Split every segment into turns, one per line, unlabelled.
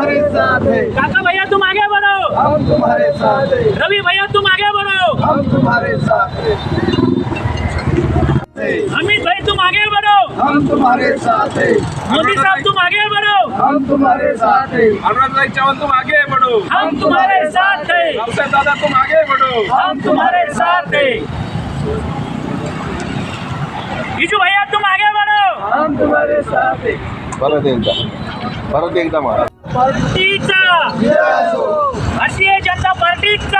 तुम्हारे साथ हैं।
काका भैया तुम आगे बढ़ो,
हम तुम्हारे साथ हैं।
रवि भैया तुम आगे बढ़ो,
हम तुम्हारे साथ हैं।
अमित भाई तुम आगे बढ़ो,
हम तुम्हारे साथ हैं।
मोदी साहब तुम आगे बढ़ो,
हम तुम्हारे साथ हैं।
अनुराग भाई चौहान तुम आगे बढ़ो,
हम तुम्हारे साथ हैं,
रावसाहेब दादा तुम आगे बढ़ो,
हम तुम्हारे साथ हैं। विजू भैया तुम आगे बढ़ो,
हम तुम्हारे साथ हैं।
परत एकदा मारा.
पार्टीचा, भारतीय जनता पार्टीचा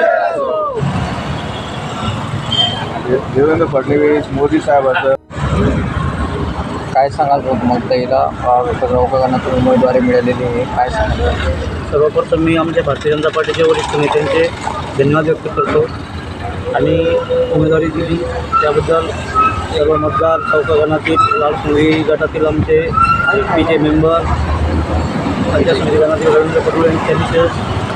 देवेंद्र फडणवीस मोदी साहेबांचं
काय सांगाल मग त्याला चौकागणातून उमेदवारी मिळालेली आहे, काय सांगाल?
सर्वप्रथम मी आमच्या भारतीय जनता पार्टीचे वरिष्ठ नेत्यांचे धन्यवाद व्यक्त करतो आणि उमेदवारी दिली त्याबद्दल सर्व मतदार चौकागणातील लालसंगी गटातील आमचे पीचे मेंबर, पंचायत समिती गणातील रवींद्र पटोले यांनी विशेष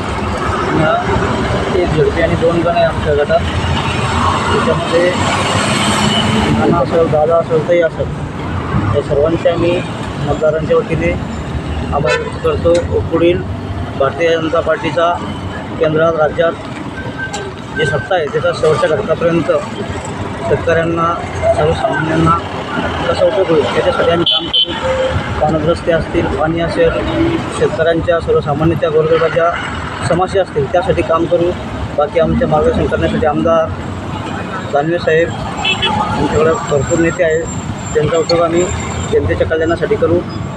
एक झडपी आणि 2 गण आहे आमच्या गटात. त्याच्यामध्ये नाना असेल, दादा असेल, ताई असेल, या सर्वांचे आम्ही मतदारांच्या वतीने आभार व्यक्त करतो. पुढील भारतीय जनता पार्टीचा केंद्रात राज्यात जी सत्ता आहे त्याचा शेवटच्या घटकापर्यंत शेतकऱ्यांना, सर्वसामान्यांना कसा उपयोग होईल याच्यासाठी आम्ही काम करू. पाणीग्रस्ते असतील, पाणी असेल, शेतकऱ्यांच्या सर्वसामान्यांच्या गोरगरिबाच्या समस्या असतील त्यासाठी काम करू. बाकी आमच्या मार्गदर्शन करण्यासाठी आमदार दानवे साहेब आमच्याकडे भरपूर नेते आहेत, त्यांचा उपयोग आम्ही जनतेच्या कल्याणासाठी करू.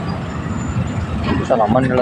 चला मंडळ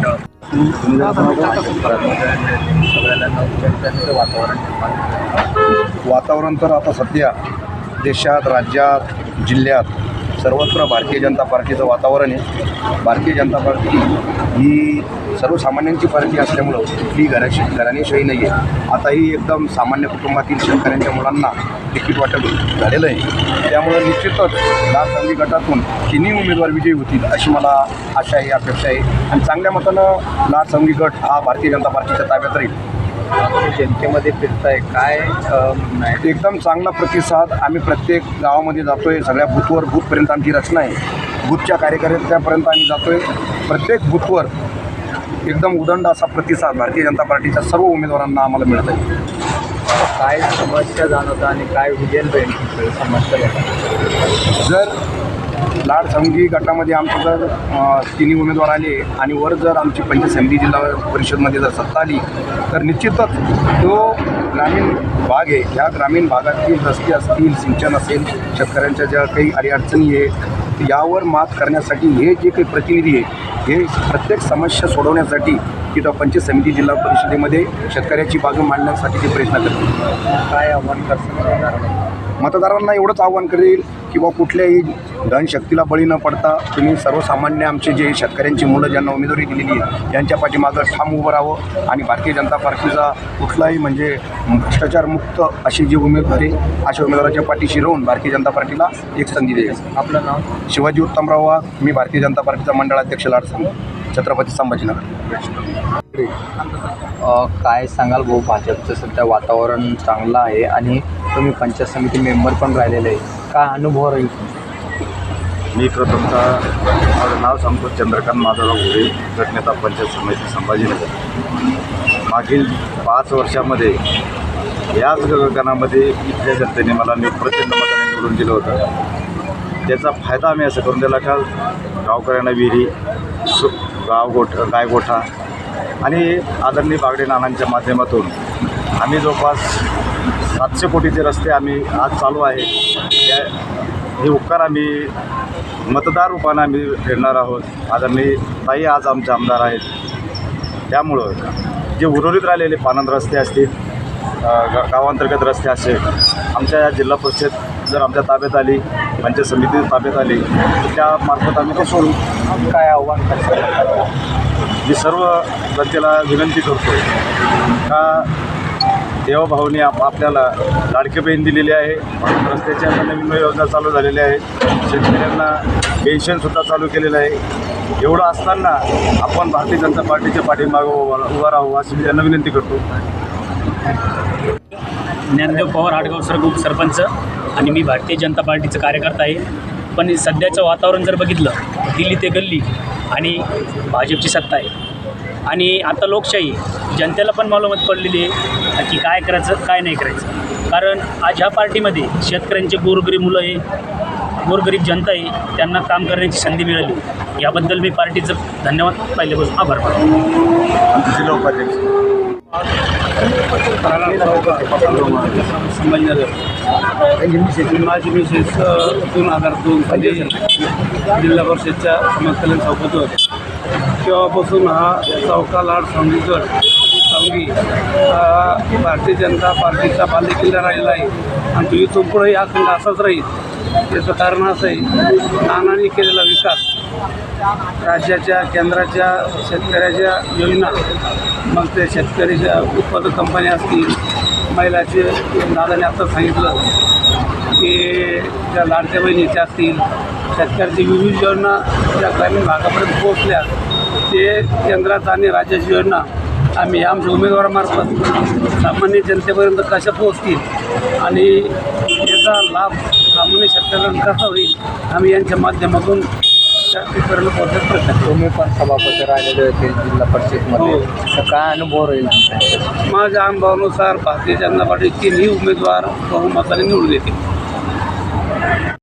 वातावरण तर आता सध्या देशात, राज्यात, जिल्ह्यात सर्वत्र भारतीय जनता पार्टीचं वातावरण आहे. भारतीय जनता पार्टी ही सर्वसामान्यांची पार्टी असल्यामुळं ही घराणेशाही नाही आहे. आता ही एकदम सामान्य कुटुंबातील शेतकऱ्यांच्या मुलांना तिकीट वाटप झालेलं आहे. त्यामुळं निश्चितच लालसंगी गटातून तिन्ही उमेदवार विजयी होतील अशी मला आशा आहे, अपेक्षा आहे. आणि चांगल्या मतानं लालसंगी गट हा भारतीय जनता पार्टीच्या ताब्यात राहील.
जनतेमध्ये फिरताय, काय
एकदम चांगला प्रतिसाद. आम्ही प्रत्येक गावामध्ये जातो आहे, सगळ्या बूथवर, बूथपर्यंत आमची रचना आहे. बूथच्या कार्यकर्त्यापर्यंत आम्ही जातो आहे. प्रत्येक बूथवर एकदम उदंड असा प्रतिसाद भारतीय जनता पार्टीच्या सर्व उमेदवारांना आम्हाला मिळत आहे.
काय समस्या जाणवतं आणि काय विजन राहील समस्या?
जर लाडसंगी गटामध्ये आमचे जर तिन्ही उमेदवार आले आणि वर जर आमची पंचायत समिती जिल्हा परिषदमध्ये जर सत्ता आली तर निश्चितच तो ग्रामीण भाग आहे, ह्या ग्रामीण भागातील रस्ते असतील, सिंचन असेल, शेतकऱ्यांच्या ज्या काही अडीअडचणी आहे यावर मात करण्यासाठी हे जे काही प्रतिनिधी आहे हे प्रत्येक समस्या सोडवण्यासाठी तिथं पंचायत समिती जिल्हा परिषदेमध्ये शेतकऱ्याची बाजू मांडण्यासाठी ते प्रयत्न करतील.
काय आव्हान करतात
मतदारांना एवढंच आव्हान करेल की बा कुठल्याही धनशक्तीला बळी न पडता तुम्ही सर्वसामान्य आमचे जे शेतकऱ्यांची मुलं ज्यांना उमेदवारी दिलेली आहे यांच्या पाठीमागं ठाम उभं राहावं आणि भारतीय जनता पार्टीचा कुठलाही म्हणजे भ्रष्टाचारमुक्त अशी जी उमेदवार आहे अशा उमेदवाराच्या पाठीशी राहून भारतीय जनता पार्टीला एक संधी देईल.
आपलं नाव?
शिवाजी उत्तमराव वाघ, मी भारतीय जनता पार्टीचा मंडळाध्यक्ष लाडसंगी छत्रपती संभाजीनगर.
काय सांगाल भाऊ, भाजपचं सध्या वातावरण चांगलं आहे आणि तुम्ही पंचायत समिती मेंबर पण राहिलेले आहे, काय अनुभव राहील?
मी प्रथमतः माझं नाव सांगतो चंद्रकांत माधवराव घोडे, गटनेता पंचायत समिती संभाजीनगर. मागील 5 वर्षामध्ये याच गणामध्ये इथल्या जनतेने मला प्रचंड मताने निवडून दिलं होतं. त्याचा फायदा आम्ही असं करून दिला का गावकऱ्यांना विहिरी, गायगोठा आणि आदरणीय बागडे नानांच्या माध्यमातून आम्ही जवळपास 700 कोटीचे रस्ते आम्ही आज चालू आहे. हे उपकार आम्ही मतदार रूपाने आम्ही फिरणार आहोत. आदरणीय ताई आज आमचे आमदार आहेत. त्यामुळं जे उर्वरित राहिलेले पानंद रस्ते असतील, गावांतर्गत रस्ते असेल, आमच्या या जिल्हा परिषद जर आमच्या ताब्यात आली, पंचायत समिती ताब्यात आली तर त्यामार्फत आम्ही ते सोडू.
काय आव्हान करतात?
मी सर्व जनतेला विनंती करतो का देवभाऊने आपल्याला लाडकी बहीण दिलेली आहे, रस्त्याच्या नवीन योजना चालू झालेल्या आहेत, शेतकऱ्यांना पेन्शनसुद्धा चालू केलेलं आहे. एवढं असताना आपण भारतीय जनता पार्टीच्या पाठीमागं उभा राहू अशी मी त्यांना विनंती करतो.
ज्ञानदेव पवार, आडगाव सरपंच आणि मी भारतीय जनता पार्टीचं कार्यकर्ता आहे. पण सध्याचं वातावरण जर बघितलं दिल्ली ते गल्ली आणि भाजपची सत्ता आहे. आणि आता लोकशाही जनतेला पण मालूमात पडलेली आहे की काय करायचं काय नाही करायचं. कारण आज ह्या पार्टीमध्ये शेतकऱ्यांचे गोरगरीब मुलं आहे, गोरगरीब जनता आहे, त्यांना काम करण्याची संधी मिळाली. याबद्दल मी पार्टीचं धन्यवाद पहिल्यापासून आभार मानतो.
जिल्हा उपाध्यक्ष
संभाजीनगर माझी मिसेस 2002 साली जिल्हा परिषदच्या समाजकल्याण चौकात होते. तेव्हापासून हा चौका लाड सांगी हा भारतीय जनता पार्टीचा बालेकिल्ला राहिला आहे आणि तो इथून पुढेही हा खंड असाच राहील. याचं कारण असं आहे, नानांनी केलेला विकास, राज्याच्या केंद्राच्या शेतकऱ्याच्या योजना, मग ते शेतकऱ्याच्या उत्पादक कंपन्या असतील, महिलाचे दादाने आता सांगितलं की ज्या लाडक्या बहिणीच्या असतील, शेतकऱ्याची विविध योजना ज्या ग्रामीण भागापर्यंत पोहोचल्या, ते केंद्रात आणि राज्याची योजना आम्ही आमच्या उमेदवारामार्फत सामान्य जनतेपर्यंत कशा पोहोचतील आणि याचा लाभ सामान्य शेतकऱ्यांना कसा होईल, आम्ही यांच्या माध्यमातून शेतकऱ्यांना पोहोचत प्रयत्न.
तुम्ही पण सभापती राहिलेले होते जिल्हा परिषदमध्ये,
हो.
तर काय अनुभव राहील तुमचा?
माझ्या अनुभवानुसार भारतीय जनता पार्टी 3ही उमेदवार बहुमताने निवडून येतील.